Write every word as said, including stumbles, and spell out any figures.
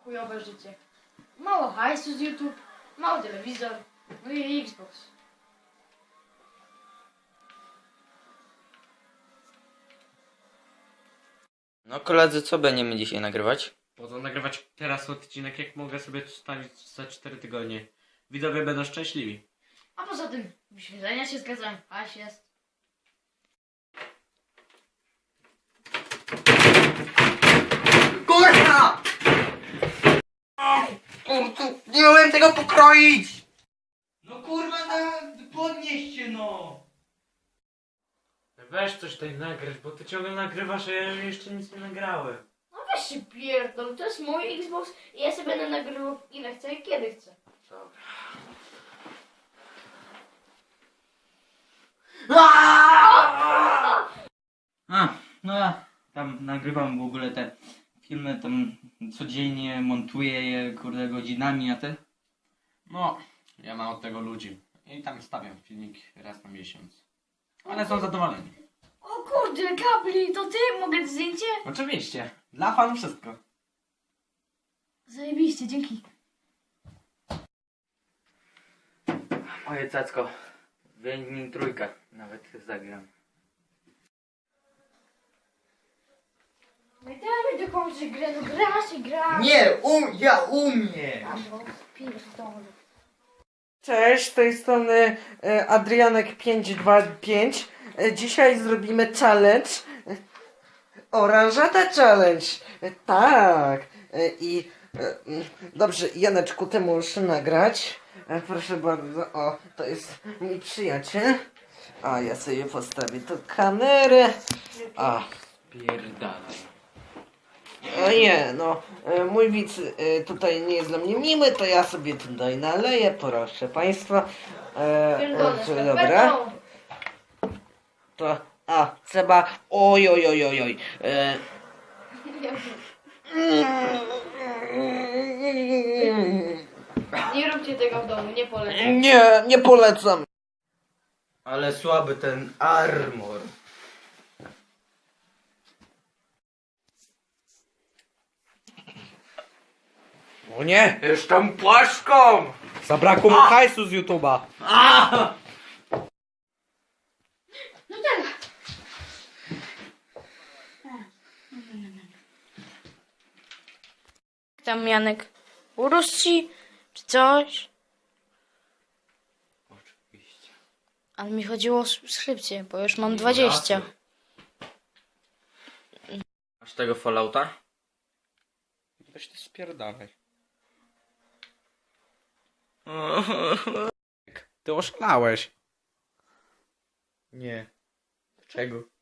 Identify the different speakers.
Speaker 1: chujowe życie. Mało hajsu z YouTube, mały telewizor, no i Xbox.
Speaker 2: No koledzy, co będziemy dzisiaj nagrywać?
Speaker 3: Po co nagrywać teraz odcinek, jak mogę sobie tu stawić za cztery tygodnie? Widzowie będą szczęśliwi.
Speaker 1: A poza tym, wyświetlenia się zgadzają, hajs jest.
Speaker 2: Kurwa! Kurwa, nie umiem tego pokroić!
Speaker 4: No kurwa, na... podnieś się no!
Speaker 3: Weź coś tutaj nagrać, bo ty ciągle nagrywasz, a ja jeszcze nic nie nagrałem.
Speaker 1: No weź się pierdol, to jest mój Xbox i ja sobie będę nagrywał ile chcę i kiedy chcę.
Speaker 3: Dobra.
Speaker 4: A, no ja tam nagrywam w ogóle te filmy, tam codziennie montuję je, kurde, godzinami, a ty?
Speaker 3: No, ja mam od tego ludzi. I tam stawiam filmik raz na miesiąc. Ale są zadowoleni.
Speaker 1: O kurde, kabli, to ty? Mogę zdjęcie?
Speaker 3: Oczywiście. Dla fanów wszystko.
Speaker 1: Zajebiście, dzięki.
Speaker 2: Moje cacko, wyjmij trójkę, nawet zagram.
Speaker 1: No i damy dokończyć grę, no grasz i grasz.
Speaker 2: Nie, um, ja umiem!
Speaker 1: A bo pierdolę.
Speaker 5: Cześć, z tej strony e, Adrianek pięć dwa pięć. E, Dzisiaj zrobimy challenge. E, Oranżata challenge. E, Tak. E, I e, mm, dobrze, Janeczku, ty musisz nagrać. E, Proszę bardzo. O, to jest mój przyjaciel. A ja sobie postawię tu kamerę. A.
Speaker 3: Pierdalaj.
Speaker 5: O nie, no, e, mój widz e, tutaj nie jest dla mnie miły, to ja sobie tutaj naleję, proszę państwa. E,
Speaker 1: Pierdolę,
Speaker 5: e,
Speaker 1: z
Speaker 5: dobra,
Speaker 1: skarpetą.
Speaker 5: to, a, trzeba, oj, oj, oj, oj, oj. E,
Speaker 1: Nie róbcie tego w domu, nie polecam.
Speaker 5: nie, nie polecam.
Speaker 2: Ale słaby ten armor.
Speaker 4: O nie,
Speaker 2: Jestem płaszką!
Speaker 4: zabrakło mu hajsu z YouTube'a.
Speaker 1: No tak. Tam Janek, urósł ci, czy coś?
Speaker 3: Oczywiście.
Speaker 1: Ale mi chodziło o subskrypcję, bo już mam dwadzieścia.
Speaker 2: Masz tego Fallouta?
Speaker 4: Weź ty spierdalaj. Ty oszalałeś.
Speaker 2: Nie. Czego?